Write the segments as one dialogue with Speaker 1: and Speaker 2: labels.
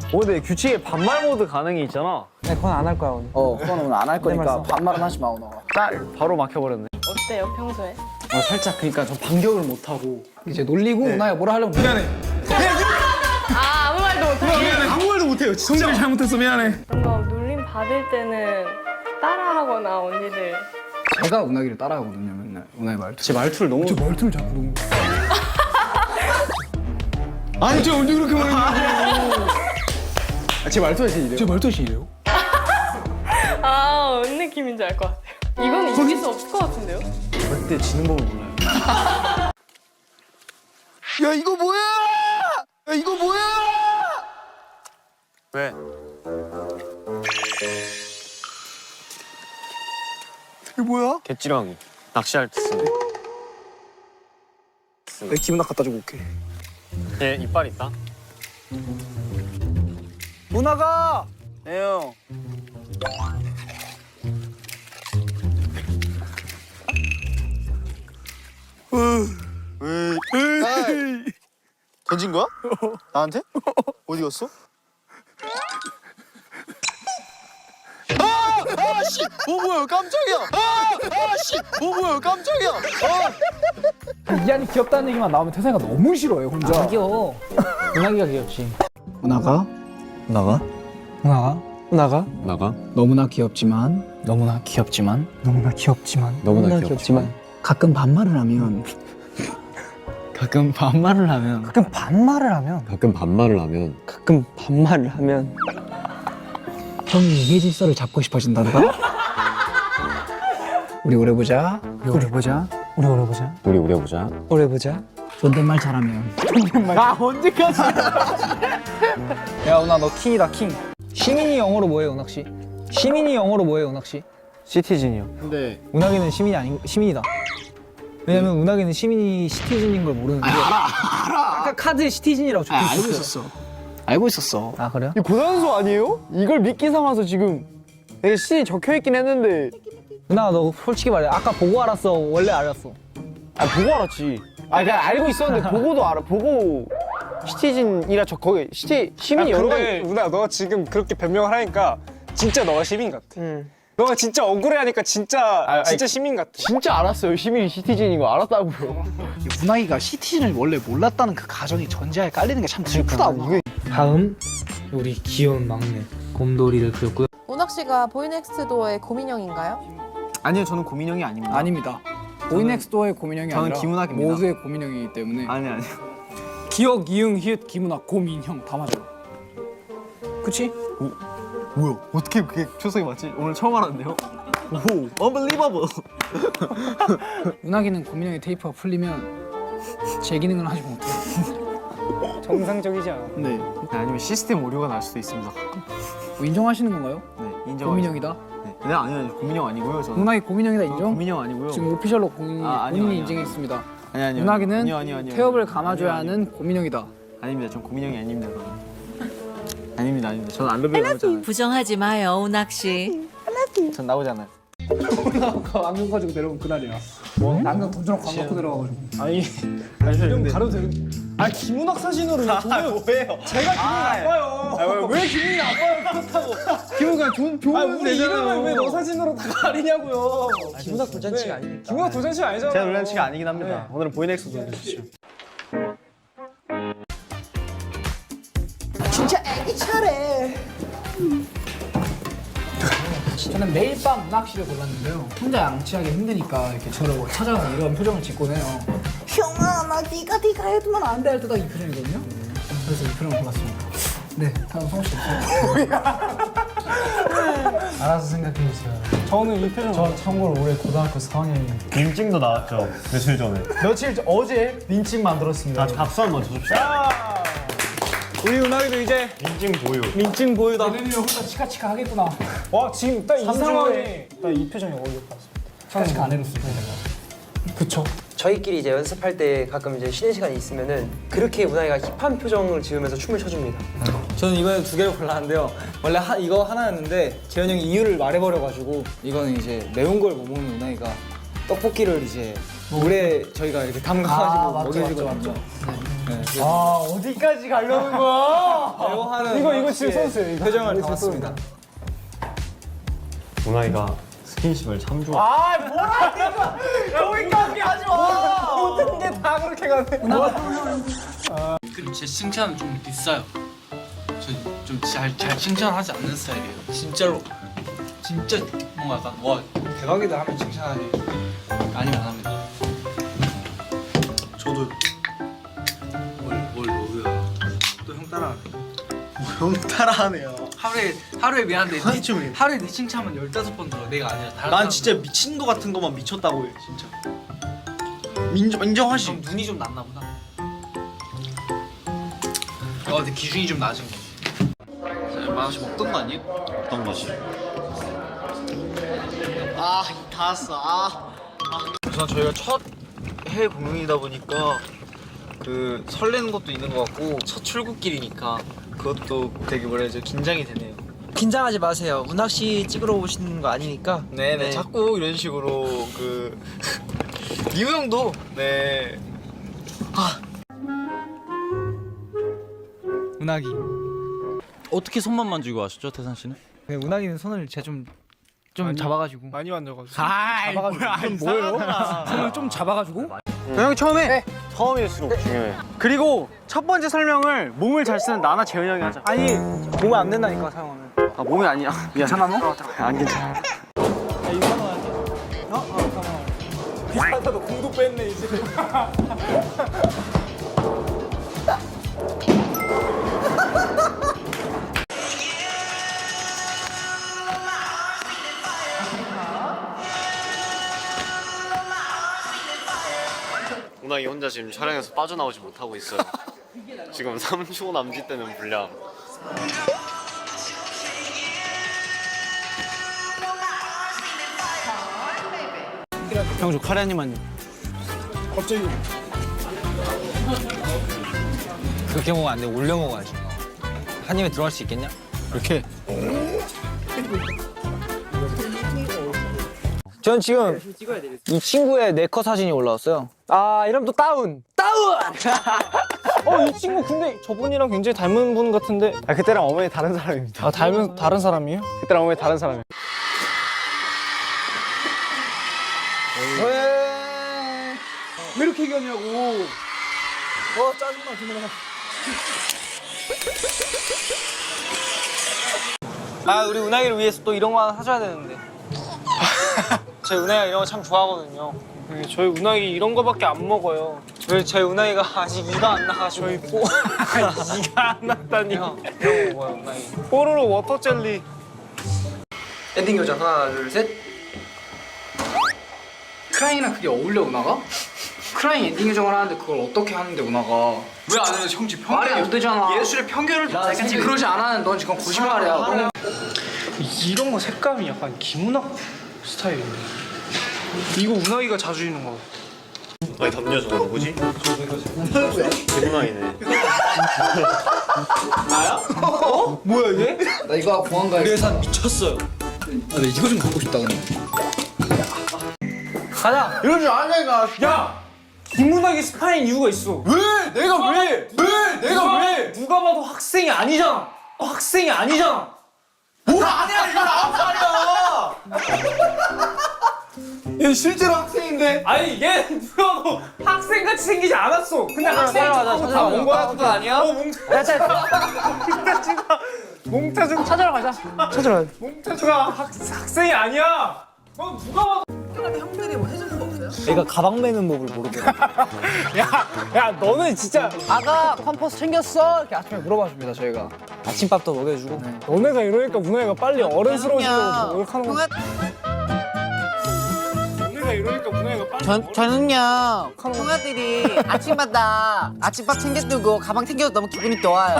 Speaker 1: 근데 규칙에 반말 모드 가능이 있잖아.
Speaker 2: 네, 그건 안 할 거야 오늘.
Speaker 3: 그건 오늘 안 할 거니까 반말은 하지 마 오늘.
Speaker 1: 짤 바로 막혀버렸네.
Speaker 4: 어때요 평소에?
Speaker 2: 살짝 그러니까 저 반격을 못 하고 이제 놀리고 누나야 뭐라 하려면 미안해.
Speaker 4: 아 아무 말도 못하게?
Speaker 2: 아무 말도 못해요. 진짜 잘못했어 미안해.
Speaker 4: 뭔가 놀림 받을 때는 따라하거나 언니들
Speaker 3: 제가 운하기를 따라하거든요 맨날 운하기 말투.
Speaker 2: 제 말투를 너무. 제 말투를 자꾸 너무. 아니 제가 언제 그렇게 말했냐고. 제 말투가 제일 이래요. 제 말투가 제일 이래요?
Speaker 4: 아 뭔 느낌인지 알 것 같아요. 이건 이길 수 없을 것 같은데요?
Speaker 1: 절대 지는 법을 몰라요.
Speaker 3: 야 이거 뭐야? 야 이거 뭐야?
Speaker 1: 왜?
Speaker 3: 이게 뭐야?
Speaker 1: 개찌렁이. 낚시할 때 쓰는.
Speaker 3: 내 기분나 갖다 주고 올게.
Speaker 1: 얘 이빨 있다.
Speaker 3: 운하가. 네 형.
Speaker 5: 던진 거야? 나한테? 어디 갔어? 아씨! 뭐야 깜짝이야! 아씨! 뭐야 깜짝이야!
Speaker 2: 이한이 귀엽다는 얘기만 나오면 태상이가 너무 싫어요 혼자.
Speaker 3: 아,
Speaker 2: 귀여워. 은하기가 귀엽지.
Speaker 3: 운하가.
Speaker 5: 나가?
Speaker 2: 은하가. 은하가.
Speaker 6: 나가?
Speaker 3: 너무나 귀엽지만
Speaker 2: 너무나 귀엽지만. 너무나 귀엽지만.
Speaker 6: 너무나 귀엽지만
Speaker 3: 가끔 반말을 하면
Speaker 2: 가끔 반말을 하면. 가끔 반말을 하면.
Speaker 6: 가끔 반말을 하면
Speaker 2: 가끔 반말을 하면.
Speaker 3: 형이 이게 질서를 잡고 싶어진단다. 우리 오래 보자.
Speaker 2: 우리 오래 보자. 우리 오래 보자.
Speaker 6: 우리 오래 보자.
Speaker 2: 오래 보자.
Speaker 3: 존댓말 잘하면.
Speaker 2: 아 언제까지? 야 은하 너 킹이다 킹. 시민이 영어로 뭐예요 은학 씨? 시민이 영어로 뭐예요 은학 씨?
Speaker 1: 시티즌이요.
Speaker 5: 근데
Speaker 2: 은하기는 시민이 아닌 시민이다. 왜냐면 은하기는 시민이 시티즌인 걸 모르는데. 알아. 아까 카드에 시티즌이라고 적혀
Speaker 3: 알고
Speaker 2: 있었어요.
Speaker 3: 있었어. 알고 있었어.
Speaker 2: 아 그래요?
Speaker 1: 이 고단수 아니에요? 이걸 믿기 삼아서 지금 내가 시 적혀있긴 했는데.
Speaker 2: 은하 너 솔직히 말해. 아까 보고 알았어. 원래 알았어.
Speaker 1: 아 보고 알았지. 아 그냥 알고 있었는데 보고도 알아. 보고 시티즌이라 저 거기 시민이 여러 가지.
Speaker 7: 누나 너가 지금 그렇게 변명을 하니까 진짜 너가 시민 같아. 너가 진짜 억울해하니까 진짜 시민 같아.
Speaker 1: 진짜 알았어요. 시민이 시티즌인 거 알았다고요.
Speaker 3: 운하기가 시티즌을 원래 몰랐다는 그 가정이 전제하에 깔리는 게 참 슬프다. 이게
Speaker 2: 다음 우리 귀여운 막내 곰돌이를 그렸고요.
Speaker 8: 운학 씨가 보이넥스트도어의 고민형인가요?
Speaker 1: 아니요 저는 고민형이 아닙니다.
Speaker 3: 아닙니다. 보이넥스도어의 고민형이
Speaker 1: 저는
Speaker 3: 아니라
Speaker 1: 김운학입니다.
Speaker 3: 모두의 고민형이기 때문에
Speaker 1: 아니.
Speaker 3: 기억, 이응, 히읗, 김운학, 고민형 다 맞아요. 그치?
Speaker 1: 뭐야? 어떻게 그게 초성이 맞지? 오늘 처음 알았네요. 오, unbelievable.
Speaker 3: 운하기는 고민형의 테이프가 풀리면 제 기능을 하지 못해요.
Speaker 2: 정상적이지 않아.
Speaker 3: 네.
Speaker 1: 아니면 시스템 오류가 날 수도 있습니다.
Speaker 3: 뭐 인정하시는 건가요?
Speaker 1: 네, 인정.
Speaker 3: 고민형이다?
Speaker 1: 네, 아니요, 고민형 아니고요. 저는.
Speaker 3: 운하기 고민형이다 인정?
Speaker 1: 고민형 아니고요.
Speaker 3: 지금 오피셜로 본인이
Speaker 1: 아니요.
Speaker 3: 인정했습니다.
Speaker 1: 아니요.
Speaker 3: 운하기는
Speaker 1: 아니요.
Speaker 3: 태엽을 감아줘야 하는 고민형이다.
Speaker 1: 아닙니다. 전 고민형이 아닙니다. 아닙니다. 저는 알러뷰 나오잖아요.
Speaker 9: 부정하지 마요, 운학 씨.
Speaker 1: 전 나오잖아요.
Speaker 3: 안경 가지고 내려온 그날이야. 뭐? 안경 던져놓고 광고 갖고 내려가가지고.
Speaker 7: 아니
Speaker 1: 좀
Speaker 7: 가려도 되는. 아 김은학 사진으로 왜
Speaker 1: 뭐예요?
Speaker 7: 제가 기분이 나빠요.
Speaker 1: 왜 기분이 나빠요? 그렇다고. 기분 그냥 좋은
Speaker 7: 우리 이름을 왜 너 사진으로 다 가리냐고요.
Speaker 2: 김은학 돌잔치가 아니니까.
Speaker 7: 김은학 도전치가 아니잖아.
Speaker 1: 제가 놀란치가 아니긴 합니다. 오늘은 보이넥스 보여주시죠.
Speaker 3: 저는 매일 밤 운학씨를 골랐는데요. 혼자 양치하기 힘드니까 이렇게 저를 찾아와서 이런 표정을 짓곤 해요. 형아, 나 네가 해두면 안 돼 할 때 딱 이 표정이거든요. 그래서 이 표정을 골랐습니다. 네, 다음 성우 씨. 알아서 생각해주세요.
Speaker 7: 저는 이 표정.
Speaker 2: 저 참고로 올해 고등학교 4학년입니다.
Speaker 6: 민증도 나왔죠 며칠 전에.
Speaker 2: 어제 민증 만들었습니다.
Speaker 6: 박수 한번 쳐줍시다.
Speaker 7: 우리 은학이도 이제
Speaker 6: 민증 보유.
Speaker 7: 민증 보유다.
Speaker 3: 내년에 혼자 치카치카 하겠구나.
Speaker 7: 와 지금 딱 이 상황에 딱 이 표정이 어울렸다.
Speaker 3: 치카치카 안 해줬을 때.
Speaker 2: 그쵸. 저희끼리 이제 연습할 때 가끔 이제 쉬는 시간이 있으면은 그렇게 운하이가 힙한 표정을 지으면서 춤을 춰줍니다. 저는 이번에 두 개를 골랐는데요. 원래 이거 하나였는데 재현이 형이 이유를 말해버려가지고 이거는 이제 매운 걸 못 먹는 운하이가 떡볶이를 이제 물에 저희가 이렇게 담가가지고 먹여주고
Speaker 3: 맞죠.
Speaker 2: 아 어디까지 가려는 거야? 배워하는
Speaker 7: 이거 지금 선수예요. 이거.
Speaker 2: 표정을 담았습니다.
Speaker 6: 문아이가 스킨십을 참 좋아.
Speaker 7: 아 뭐라 거기까지 하지 마. 모든 게 다 그렇게 가네.
Speaker 10: 그리고 제 칭찬은 좀 비싸요. 저 좀 잘 칭찬하지 않는 스타일이에요. 진짜로. 진짜 뭔가 약간 와 대박이다 하면 칭찬하지. 아니면 안 합니다.
Speaker 5: 저도
Speaker 10: 뭘 너도야. 또 형 따라하네.
Speaker 5: 형 따라하네요.
Speaker 10: 하루에 미안한데
Speaker 5: 한쯤이에요.
Speaker 10: 하루에 네 칭찬만 15번 들어. 내가 아니라 다른
Speaker 5: 난
Speaker 10: 사람.
Speaker 5: 진짜 미친 거 같은 것만 미쳤다고 해 진짜. 인정하시.
Speaker 10: 좀 눈이 좀 낮나 보다. 근데 기준이 좀 낮은 거. 만원씩 먹던 거 아니에요?
Speaker 6: 어떤 것이?
Speaker 5: 다 왔어. 우선 저희가 첫 해외 공연이다 보니까 그 설레는 것도 있는 것 같고 첫 출국길이니까 그것도 되게 뭐라 해야죠 긴장이 되네요.
Speaker 2: 긴장하지 마세요. 운학 씨 찍으러 오시는 거 아니니까.
Speaker 5: 네네 자꾸 이런 식으로 그 이우 형도 네
Speaker 2: 운학이.
Speaker 10: 어떻게 손만 만지고 하셨죠, 태산 씨는?
Speaker 2: 운학이는 손을 제가 좀 잡아가지고.
Speaker 7: 많이 만져가지고.
Speaker 3: 잡아가지고 뭐예요? 손을 좀 잡아가지고.
Speaker 1: 형이 처음에 처음일수록 중요해.
Speaker 7: 그리고 첫 번째 설명을 몸을 잘 쓰는 나나 재현이 형이 하자. 아니 몸에 안 된다니까 사용하면.
Speaker 1: 아 몸이 아니야. 미안.
Speaker 7: 괜찮아 너?
Speaker 1: 안 괜찮아.
Speaker 7: 비슷하다 공도 뺐네 이제.
Speaker 6: 문아이 혼자 지금 촬영에서 빠져나오지 못하고 있어요. 지금 3초 남짓되는 분량.
Speaker 1: 형 저 카레 한 입만요.
Speaker 7: 갑자기.
Speaker 2: 그렇게 먹으면 안 돼. 올려 먹어야지. 한 입에 들어갈 수 있겠냐?
Speaker 1: 이렇게.
Speaker 2: 전 지금 이 친구의 네컷 사진이 올라왔어요.
Speaker 7: 아 이러면 또 다운. 이 친구 근데 저분이랑 굉장히 닮은 분 같은데.
Speaker 1: 아 그때랑 어머니 다른 사람입니다.
Speaker 7: 아 다른 사람이에요?
Speaker 1: 그때랑 어머니 다른 사람이에요.
Speaker 3: 왜 이렇게 얘기하냐고.
Speaker 2: 짜증나 정말. 우리 운학이를 위해서 또 이런 거 하나 사줘야 되는데.
Speaker 7: 제 은하이가 이런 거 참 좋아하거든요. 저희 운하이 이런 거밖에 안 먹어요. 왜 저희 운하이가 아직 이가 안 나가지고. 저희 이가 안 났다니. 이런 거 뭐야 운하이? 뽀로로 워터 젤리.
Speaker 2: 엔딩 요정 하나 둘 셋.
Speaker 3: 크라잉이랑 그게 어울려 운하가? 크라잉 엔딩 요정을 하는데 그걸 어떻게 하는데 운하가?
Speaker 10: 왜 안 해요, 형지?
Speaker 3: 말이 안 되잖아.
Speaker 10: 예술의 편견을 좀
Speaker 3: 지금 그러지 않아. 넌 지금 거짓말이야. 너는
Speaker 7: 이런 거 색감이 약간 김운학 스타일이네. 이거 운하이가 자주 입는 거.
Speaker 6: 아니 담요 저거 누구지? 대문아이네.
Speaker 7: 뭐야 이게?
Speaker 3: 나 이거 공항 가야
Speaker 2: 그래서 미쳤어요.
Speaker 3: 나 이거 좀 갖고 싶다 근데.
Speaker 2: 가자.
Speaker 7: 이럴 줄 아냐니까. 야! 김문학이 스파인 이유가 있어.
Speaker 5: 왜? 내가 왜? 내가 왜?
Speaker 7: 누가 봐도 학생이 아니잖아. 학생이 아니잖아.
Speaker 5: 뭐가 아니야 이거 9살이야. 얘 실제로 학생인데.
Speaker 7: 아니 얘 누가 봐도 학생같이 생기지 않았어. 근데 학생하고
Speaker 2: 찾아가자.
Speaker 7: 몽타주가
Speaker 2: 몽타주가 아니야?
Speaker 7: 몽타주가 찾아러 가자. 찾아러 가자. 몽타주가 학생이 아니야. 넌 누가 봐도.
Speaker 2: 얘가 가방 매는 법을 모르더라.
Speaker 7: 야 너는 진짜
Speaker 3: 아가 컴퍼스 챙겼어? 이렇게 아침에 물어봐 줍니다 저희가.
Speaker 2: 아침밥도 먹여주고.
Speaker 7: 너네가 이러니까 문화가 빨리 어른스러워지려고 노력하는 거야. 너네가 이러니까 문화가 빨리
Speaker 3: 저는요 형아들이 아침마다 아침밥 챙겨주고 가방 챙겨서 너무 기분이 좋아요.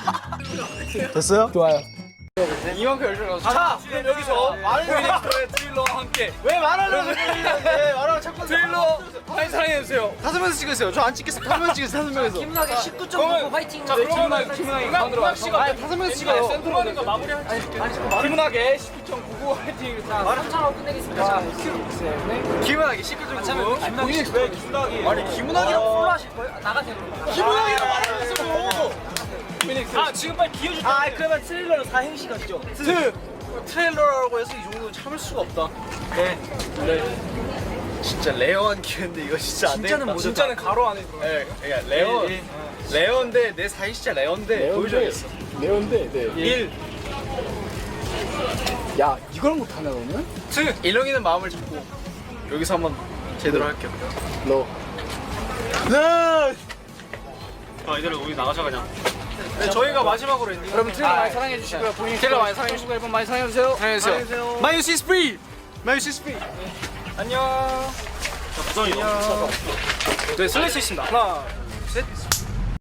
Speaker 5: 됐어요?
Speaker 7: 이만큼 열심히 가서 자 그럼 여기서 많은 분들의 트레일러와 함께
Speaker 5: 왜 말하려고 그러는데 말하고 자꾸
Speaker 7: 트레일러 많이 사랑해주세요.
Speaker 5: 5명에서 찍으세요. 저 안 찍겠어. 5명 찍으세요. 5명에서.
Speaker 3: 김나게 19.9 화이팅.
Speaker 7: 자 그러면 김은하기 가운데로 가시죠.
Speaker 5: 아니 5명에서 찍어요.
Speaker 7: 센터로 하는 거 마무리할게요. 김은하게 19.99 화이팅. 자
Speaker 3: 3차로 끝내겠습니다. 자,
Speaker 5: 김은하기 19.9.
Speaker 7: 김은하기 왜 김은하기?
Speaker 5: 아니 김은하기랑 폴로 하실 거예요?
Speaker 3: 나가세요.
Speaker 5: 김은하기랑 말하면서 뭐.
Speaker 7: 아 지금 빨리 기어줄 때.
Speaker 5: 아 그러면 트레일러는 4행시 가시죠. 트레일러라고 해서 이 정도는 참을 수가 없다. 네. 진짜 레어한 기회인데 이거 진짜 안 되겠다.
Speaker 7: 진짜는 가로 안에 들어.
Speaker 5: 네, 그러니까 레어인데 내 사이 진짜 레어인데 보여줘야겠어.
Speaker 1: 레온데 네.
Speaker 5: 1.
Speaker 1: 야 이걸 못하냐 너는?
Speaker 5: 일렁이는 마음을 잡고 여기서 한번 제대로 할게요.
Speaker 1: 너
Speaker 6: 아 이대로 우리 나가자 그냥.
Speaker 5: 네, 저희가 마지막으로 엔딩.
Speaker 3: 여러분 트레일러 많이 사랑해 주시고요.
Speaker 5: 트레일러 많이 사랑해 주시고
Speaker 3: 앨범 많이 사랑해 주세요.
Speaker 5: 안녕하세요. 마이유시 is free. 마이유시 is free.
Speaker 7: 안녕.
Speaker 6: 부산이요.
Speaker 7: 네 슬래시 있습니다. 하나, 셋.